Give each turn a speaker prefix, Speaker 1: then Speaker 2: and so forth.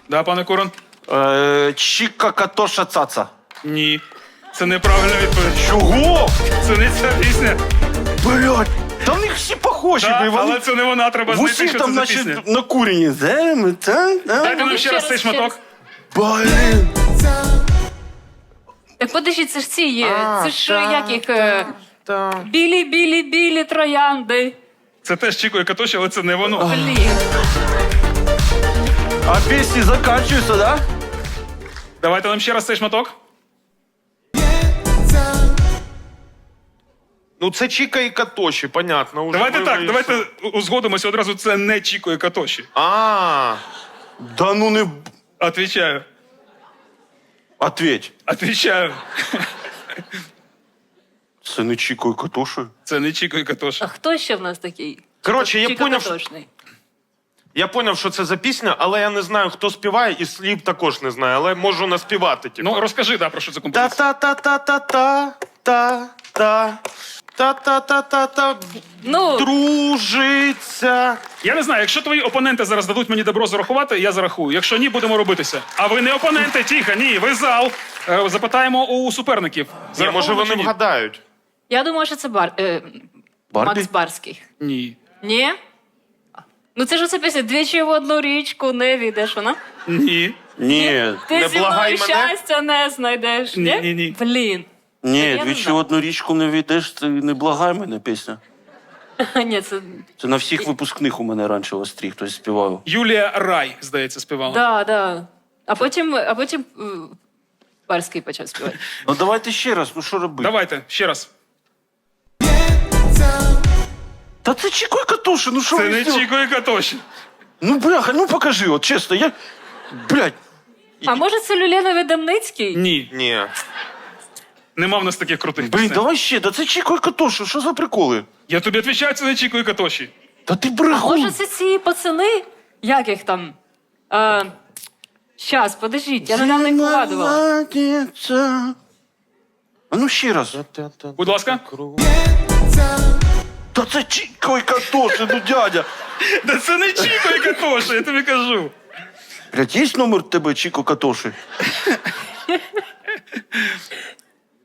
Speaker 1: Да, пане Курон?
Speaker 2: Чіка Катоша Цаца.
Speaker 1: Ні. Це неправильна відповідь.
Speaker 2: Чого?
Speaker 1: Це не ця пісня.
Speaker 2: Блядь, та в них всі похожі.
Speaker 1: Так, але це не вона, треба
Speaker 2: в
Speaker 1: знайти,
Speaker 2: усіх
Speaker 1: що
Speaker 2: там,
Speaker 1: це за пісня.
Speaker 2: значить, накурені.
Speaker 1: Дайте нам ще раз цей шматок.
Speaker 2: Блін.
Speaker 3: Так подожди, це ж ці є. Це ж як їх...
Speaker 2: Так.
Speaker 3: Білі троянди.
Speaker 1: Це теж Чіко і Катоші, але це не воно.
Speaker 3: Блін.
Speaker 2: А пісні закінчуються, да?
Speaker 1: Давайте нам ще раз цей шматок.
Speaker 4: Ну це Чіка і Катоші, понятно. Уже
Speaker 1: Давайте
Speaker 4: ми
Speaker 1: так,
Speaker 4: вийшли.
Speaker 1: давайте узгодимося одразу, це не Чіко і Катоші.
Speaker 2: Да ну не...
Speaker 1: Отвічаю.
Speaker 2: Ответь.
Speaker 1: Отвічаю.
Speaker 2: Це не Чіко і Катоші?
Speaker 1: Це не Чіко і Катоші.
Speaker 3: А хто ще в нас такий?
Speaker 4: Коротше, я
Speaker 3: Чіко
Speaker 4: поняв,
Speaker 3: Катошний.
Speaker 4: Я поняв, що це за пісня, але я не знаю, хто співає, і слів також не знаю, але можу наспівати. Типу.
Speaker 1: Ну, розкажи, да, про що це композиція.
Speaker 4: Та-та-та-та-та-та. Та-та-та-та-та.
Speaker 3: Ну,
Speaker 4: Дружиться.
Speaker 1: Я не знаю, якщо твої опоненти зараз дадуть мені добро зарахувати, я зарахую. Якщо ні, будемо робитися. А ви не опоненти, тихо, ні, ви зал. Запитаємо у суперників.
Speaker 4: Ні, може
Speaker 1: Зараховано
Speaker 4: вони
Speaker 1: чи ні?
Speaker 4: вгадають.
Speaker 3: я думаю, що це
Speaker 2: Барбі?
Speaker 3: Макс Барський.
Speaker 1: Ні.
Speaker 3: Ні? Ну це ж оце пісня «Двічі в одну річку не війдеш», вона?
Speaker 1: Ні.
Speaker 2: Ні.
Speaker 3: Ти
Speaker 4: Не
Speaker 3: зі
Speaker 4: благай
Speaker 3: мною
Speaker 4: мене?
Speaker 3: щастя не знайдеш, ні?
Speaker 1: Ні.
Speaker 3: Блін.
Speaker 2: Ні,
Speaker 3: я не
Speaker 2: двічі в
Speaker 3: знаю.
Speaker 2: одну річку не війдеш, це не благай мене пісня.
Speaker 3: Ні, це...
Speaker 2: Це на всіх випускних у мене раніше в Острі хтось співав.
Speaker 1: Юлія Рай, здається, співала.
Speaker 3: Да. А потім Барський почав співати.
Speaker 2: Ну давайте ще раз, ну що робити?
Speaker 1: Давайте, ще раз.
Speaker 2: Та це Чіко і Катоші, ну що
Speaker 1: Це
Speaker 2: ви
Speaker 1: не
Speaker 2: зробили?
Speaker 1: Чіко і Катоші.
Speaker 2: Ну бляха, ну покажи, от чесно, я... Блядь,
Speaker 3: А може це Люленові Демницький?
Speaker 1: Ні.
Speaker 4: Ні.
Speaker 1: Нема в нас таких крутих
Speaker 2: блін,
Speaker 1: пісень.
Speaker 2: давай ще, да це Чіко і Катоші, що за приколи?
Speaker 1: Я тобі відповідаю, це не Чіко і Катоші.
Speaker 2: Та ти брехун.
Speaker 3: Може це ці пацани? Як їх там? Щас, подождіть, я недавно їх вигадувала.
Speaker 2: Молодеця. А ну ще раз.
Speaker 1: Будь ласка.
Speaker 2: Та це Чіко і Катоші, ну дядя.
Speaker 1: Да це не Чіко і Катоші, я тобі кажу.
Speaker 2: Блядь, є номер тебе, Чіко Катоші?